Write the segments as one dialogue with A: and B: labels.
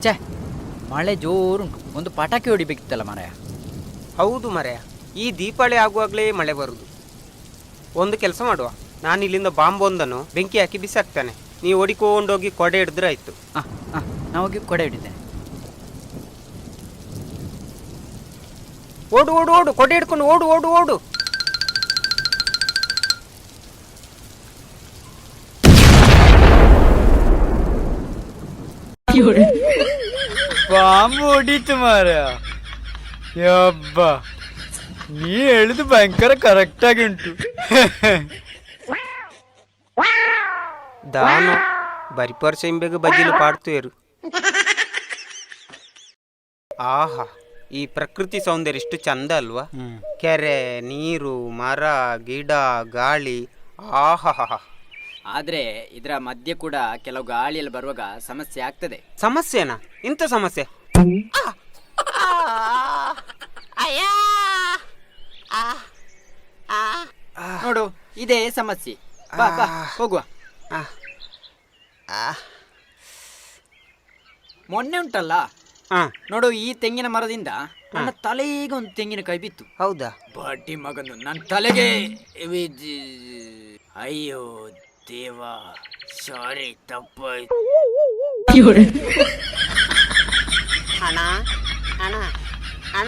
A: ಛೇ, ಮಳೆ ಜೋರುಂಟು. ಒಂದು ಪಟಾಕಿ ಹೊಡಿಬೇಕಿತ್ತಲ್ಲ ಮಾರಾಯ.
B: ಹೌದು ಮರೆಯ, ಈ ದೀಪಾವಳಿ ಆಗುವಾಗಲೇ ಮಳೆ ಬರುವುದು. ಒಂದು ಕೆಲಸ ಮಾಡುವ, ನಾನು ಇಲ್ಲಿಂದ ಬಾಂಬ್ ಒಂದನ್ನು ಬೆಂಕಿ ಹಾಕಿ ಬಿಸಾಕ್ತಾನೆ, ನೀವು ಓಡಿಕೊಂಡೋಗಿ ಕೊಡೆ ಹಿಡಿದ್ರೆ ಆಯ್ತು.
A: ನಾವು ಹೋಗಿ ಕೊಡೆ ಹಿಡಿದ್ದೇನೆ.
B: ಓಡು ಓಡು ಓಡು, ಕೊಡೆ ಹಿಡ್ಕೊಂಡು ಓಡು ಓಡು ಓಡು.
A: ಬಾಂಬು ಹೊಡೀತು ಮಾರಾಯ. ಯಬ್ಬ, ನೀ ಹೇಳಿದು ಭಯಂಕರ ಕರೆಕ್ಟ್ ಆಗಿ ಉಂಟು.
B: ದಾನು ಬರಿಪರ್ಸ ಇಂಬೆಗೆ ಬಜ್ಜಿಲು ಪಾಡ್ತೇರು. ಆಹಾ, ಈ ಪ್ರಕೃತಿ ಸೌಂದರ್ಯ ಎಷ್ಟು ಚಂದ ಅಲ್ವಾ? ಕೆರೆ, ನೀರು, ಮರ, ಗಿಡ, ಗಾಳಿ. ಆಹಾ.
A: ಆದ್ರೆ ಇದರ ಮಧ್ಯೆ ಕೂಡ ಕೆಲವು ಗಾಳಿಯಲ್ಲಿ ಬರುವಾಗ ಸಮಸ್ಯೆ ಆಗ್ತದೆ.
B: ಸಮಸ್ಯೆನಾ? ಇಂಥ ಸಮಸ್ಯೆ?
A: ನೋಡು, ಇದೇ ಸಮಸ್ಯೆ. ಬಾ ಬಾ ಹೋಗುವ. ಮೊನ್ನೆ ಉಂಟಲ್ಲ, ನೋಡು, ಈ ತೆಂಗಿನ ಮರದಿಂದ ನನ್ನ ತಲೆಗೆ ಒಂದು ತೆಂಗಿನಕಾಯಿ ಬಿತ್ತು.
B: ಹೌದಾ?
A: ಬಡ್ಡಿ ಮಗನು ನನ್ನ ತಲೆಗೆ. ಅಯ್ಯೋ ದೇವಾ, ಸಾರಿ, ತಪ್ಪಾಯ್ತು.
B: ಅಣ್ಣ ಅಣ್ಣ ಅಣ್ಣ,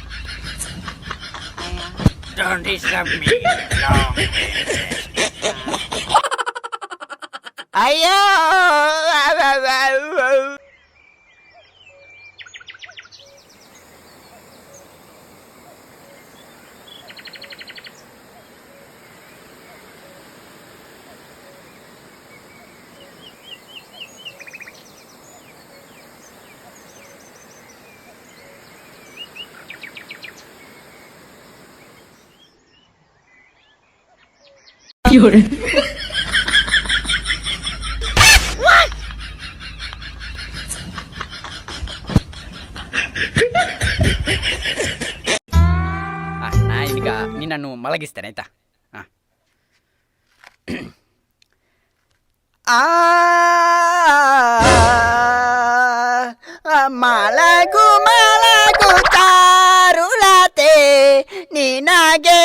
A: Don't disturb me.
B: ಅಯ್ಯೋ.
A: ಈಗ ನಿನ್ನನ್ನು ಮಲಗಿಸ್ತೇನೆ, ಆಯ್ತಾ? ಮಲಗು ಮಲಗು ಚಾರುಲತೆ ನಿನಗೆ.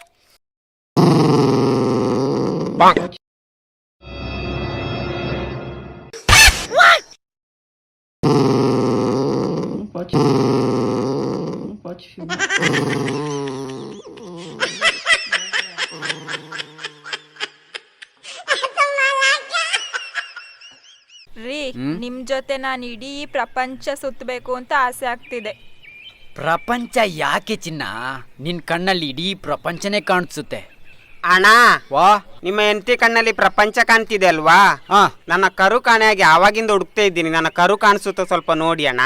C: Pode filmar.
D: ರೀ, ನಿಮ್ ಜೊತೆ ನಾನು ಇಡೀ ಪ್ರಪಂಚ ಸುತ್ತಬೇಕು ಅಂತ ಆಸೆ ಆಗ್ತಿದೆ.
A: ಪ್ರಪಂಚ ಯಾಕೆ ಚಿನ್ನ? ನಿನ್ ಕಣ್ಣಲ್ಲಿ ಇಡೀ ಪ್ರಪಂಚನೇ ಕಾಣಿಸುತ್ತೆ.
B: ಅಣ್ಣ,
A: ವಾ,
B: ನಿಮ್ಮ ಹೆಂಡತಿ ಕಣ್ಣಲ್ಲಿ ಪ್ರಪಂಚ ಕಾಣ್ತಿದೆ ಅಲ್ವಾ? ನನ್ನ ಕರು ಕಾಣೆಯಾಗಿ ಆವಾಗಿಂದ ಹುಡುಕ್ತಾ ಇದ್ದೀನಿ. ನನ್ನ ಕರು ಕಾಣಿಸುತ್ತ, ಸ್ವಲ್ಪ ನೋಡಿ ಅಣ್ಣ.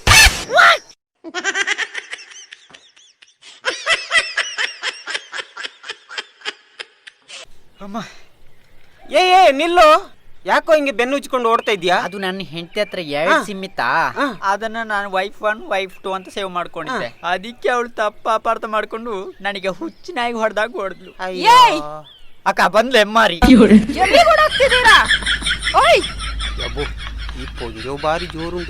A: ಅಮ್ಮ,
B: ಏ ನಿಲ್ಲು, ಯಾಕೋ ಹಿಂಗೆ ಬೆನ್ನು ಉಚ್ಕೊಂಡು ಓಡ್ತಾ ಇದ್ಯಾ?
A: ಅದು ನನ್ನ ಹೆಂಡತಿ ಹತ್ರ 2 ಸಿಮ್ ಇತ್ತಾ, ಅದನ್ನ ನಾನು ವೈಫ್ 1 ವೈಫ್ 2 ಅಂತ ಸೇವ್ ಮಾಡ್ಕೊಂಡಿದ್ದೆ. ಅದಕ್ಕೆ ಅವಳು ತಪ್ಪ ಅಪಾರ್ಥ ಮಾಡ್ಕೊಂಡು ನನಗೆ ಹುಚ್ಚಿನಾಗಿ ಹೊಡೆದಾಗ ಹೊಡೆದ್ಲು. ಅಕ್ಕ ಬಂದ್ಲು ಎಮ್ಮಾರಿ.
B: ಈ ಪೊಂಜೋ ಬಾರಿ ಜೋರುಂಡು.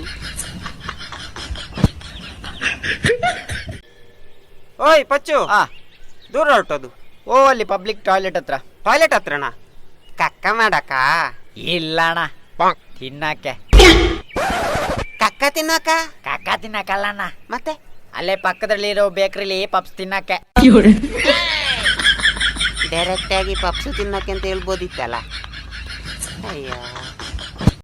B: ಓಯ್ ಪಚ್ಚು, ದೂರ ಹೊರಟದು.
A: ಓ, ಅಲ್ಲಿ ಪಬ್ಲಿಕ್ ಟಾಯ್ಲೆಟ್ ಹತ್ರ.
B: ಟಾಯ್ಲೆಟ್ ಹತ್ರನಾ? ಕಕ್ಕ ಮಾಡಕ?
A: ಇಲ್ಲಣ್ಣ, ತಿನ್ನಕ್ಕೆ.
B: ಕಕ್ಕ ತಿನ್ನಕ?
A: ಕಕ್ಕ ತಿನ್ನಕ್ಕಲ್ಲಣ್ಣ,
B: ಮತ್ತೆ
A: ಅಲ್ಲೇ ಪಕ್ಕದಲ್ಲಿರೋ ಬೇಕರಿಲಿ ಪಪ್ಸ್ ತಿನ್ನಕ್ಕೆ.
B: ಡೈರೆಕ್ಟ್ ಆಗಿ ಪಪ್ಸು ತಿನ್ನಕ್ಕೆ ಅಂತ ಹೇಳ್ಬೋದಿತ್ತಲ್ಲ. ಅಯ್ಯೋ.